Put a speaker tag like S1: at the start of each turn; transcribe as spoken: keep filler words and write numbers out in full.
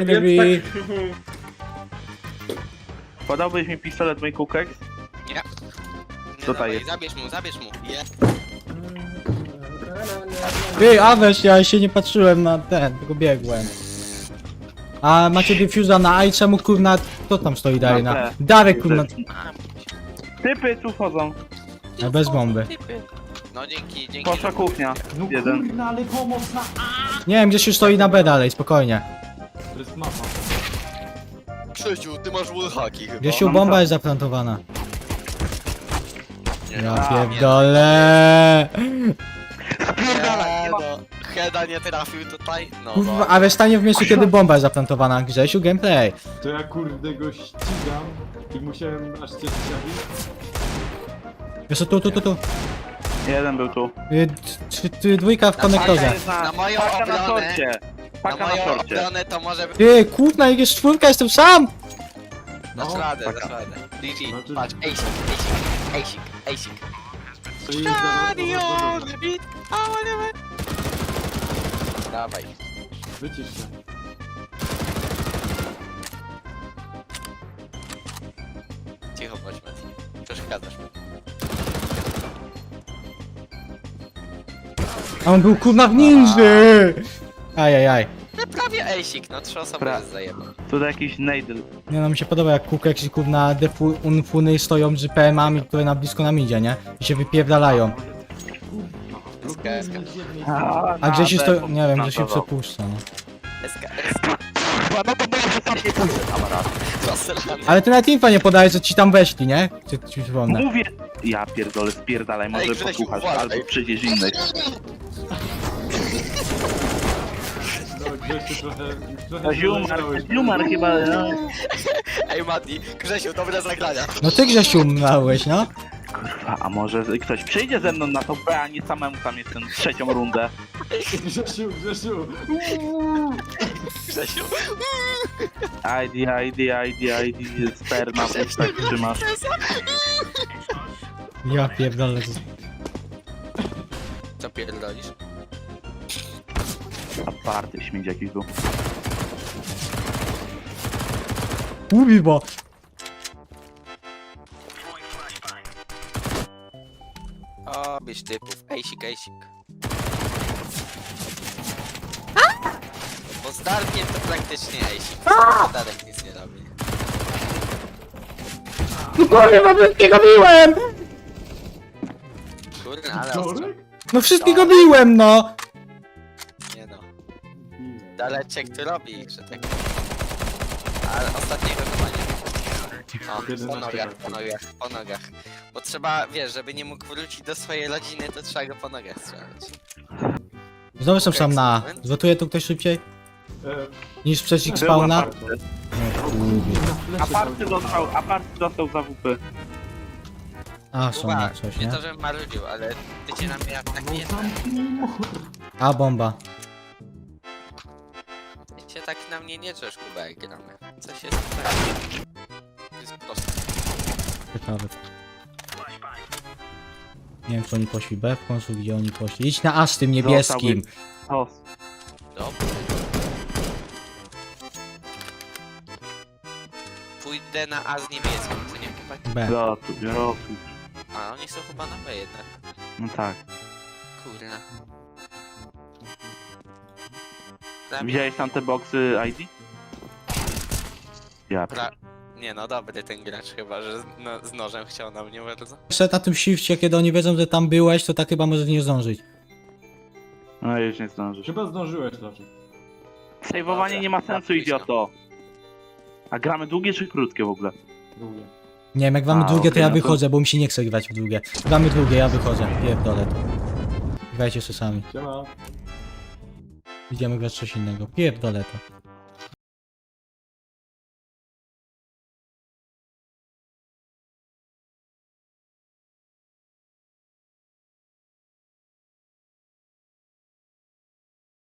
S1: Nie
S2: więc
S1: lubi.
S2: tak...
S3: Podałbyś mi pistolet, mój kukek?
S4: Nie. Nie
S3: Co to
S4: dawaj,
S3: jest?
S4: Zabierz mu, zabierz mu. Je.
S1: Ty, Aweś, ja się nie patrzyłem na ten, tylko biegłem. A macie diffusa na A i czemu kurna, kto tam stoi dalej na...
S3: B.
S1: Darek kurna,
S3: Typy tu wchodzą.
S1: a bez bomby.
S4: No dzięki, dzięki.
S3: Poszła kuchnia.
S2: No
S3: Jeden.
S2: kurna, ale pomoc na...
S1: Nie wiem, gdzieś już stoi na B dalej, spokojnie.
S2: To jest mapa.
S4: Krzysiu, ty masz wallhacki chyba.
S1: Gdzieś u bomba jest zaplantowana.
S4: Nie,
S1: Ja
S4: no.
S1: pierdolę.
S4: Nie, no. Heda nie trafił tutaj. No,
S1: Kurwa,
S4: no.
S1: ale stanie w miejscu, kiedy bomba jest zaplantowana. Grzesiu, gameplay.
S2: To ja kurde go ścigam i musiałem aż cię strzelić.
S1: Wiesz co, tu, tu, tu, tu.
S3: Jeden był tu.
S1: Y, t- t- Dwójka w konektorze.
S3: Paka jest na,
S4: Na moją
S3: paka na
S4: obronę.
S3: torcie.
S4: Na
S3: Paka na
S4: moją
S3: torcie.
S4: obronę to może być...
S1: Ty, kurna, jak jest czwórka, jestem sam!
S4: Dasz
S2: No,
S4: radę,
S3: taka.
S4: dasz radę. G G,
S2: Znaczy-
S4: patrz, Asik, Asik, Asik, Asik.
S2: To jest zaraz-
S4: beat, Dawaj.
S2: Wycisz się.
S4: Cicho bądź, Mati. Przeszkadzasz mi.
S1: A on był kurna w ninży! Ajajaj.
S4: No prawie Asik, no trzy osoby
S3: Pra-
S4: jest zajebał.
S3: Tutaj jakiś nejdl.
S1: Nie no, mi się podoba jak kółko jakieś kurna defu unfuny stoją z P M-ami, które na blisko nam idzie, nie? I się wypierdalają.
S4: S K S K.
S1: A gdzieś to, nie wiem, że się przepuszcza, no.
S4: S K S K. No to było, że tam nie pójdę, kamerad. Zasrany.
S1: Ale ty nawet infa nie podajesz, że ci tam weszli, nie? Czy ci przypomnę?
S3: Mówię! Ja pierdolę, spierdalaj, może
S4: Grzesiu,
S3: posłuchasz,
S4: uważaj.
S3: albo przyjdziesz innej.
S2: No Grzesiu trochę... trochę
S3: Ziumar,
S2: zaleciałeś.
S3: ziumar chyba, no.
S4: Ej Mati, Grzesiu, dobre zagrania.
S1: No ty Grzesiu umrałeś, no?
S3: Kurwa, a może ktoś przyjdzie ze mną na to B, a nie samemu tam jestem trzecią rundę.
S2: Grzesiu, Grzesiu!
S4: Grzesiu.
S3: I D, I D, I D, I D, sperma w ustach trzymasz.
S1: Ja pierdolę.
S4: Co pierdolisz?
S3: Aparty śmieć jakiś był.
S1: Mówi, bo...
S4: O, byś typów. Ejsik, ejsik. Bo z Darkiem to praktycznie ejsik. Darek nic nie robi.
S1: Kurwa, wszystkiego biłem!
S4: Kurde, ale ostro.
S2: Dorek?
S1: No wszystkiego biłem, no!
S4: Nie no. Daleczek tu robi, że tak. Ale ostatniego chyba nie. O, po
S2: jedenaście
S4: nogach,
S2: lat.
S4: po nogach, po nogach. Bo trzeba, wiesz, żeby nie mógł wrócić do swojej rodziny, to trzeba go po nogach strzelać.
S1: Znowu jestem sam na A. Zlotuje tu ktoś szybciej?
S2: E,
S1: Niż przeciw
S3: Był
S1: spawna?
S3: aparty.
S1: No kurwa.
S3: Aparty dostał, aparty dostał za W P.
S1: A, są
S4: Kuba,
S1: na coś,
S4: nie
S1: nie?
S4: to, żebym marudził, ale ty cię na mnie atakujesz.
S1: A, bomba.
S4: Ty cię tak na mnie nie drzesz, Kuba, jak gramy. Coś jest tak. To jest proste.
S1: Ciekawe. Nie wiem, czy oni poszli B w końcu, gdzie oni poszli. Idź na A z tym niebieskim.
S3: Os.
S4: Dobra. Pójdę na A z niebieskim, co nie chłopaki?
S1: B.
S3: Rotuj, rotuj.
S4: A oni są chyba na B jednak.
S3: No tak.
S4: Kurna. Dla mnie-
S3: Widziałeś tam te boksy I D? Ja.
S4: Pra... Nie no, dobry ten gracz chyba, że z, no, z nożem chciał na mnie bardzo.
S1: Jeszcze na tym shifcie, kiedy oni wiedzą, że tam byłeś, to tak chyba może nie zdążyć.
S3: No już nie zdążysz.
S2: Chyba zdążyłeś raczej.
S3: Sejwowanie nie ma sensu, idioto. A gramy długie czy krótkie w ogóle?
S2: Długie.
S1: Nie wiem, jak mamy
S3: A,
S1: drugie, to
S3: okej,
S1: ja
S3: no to-
S1: wychodzę, bo mi się nie chce grać w drugie. Gramy drugie, ja wychodzę. Pierdolę to. Grajcie sobie sami.
S2: Siema.
S1: Idziemy grać coś innego. Pierdolę to.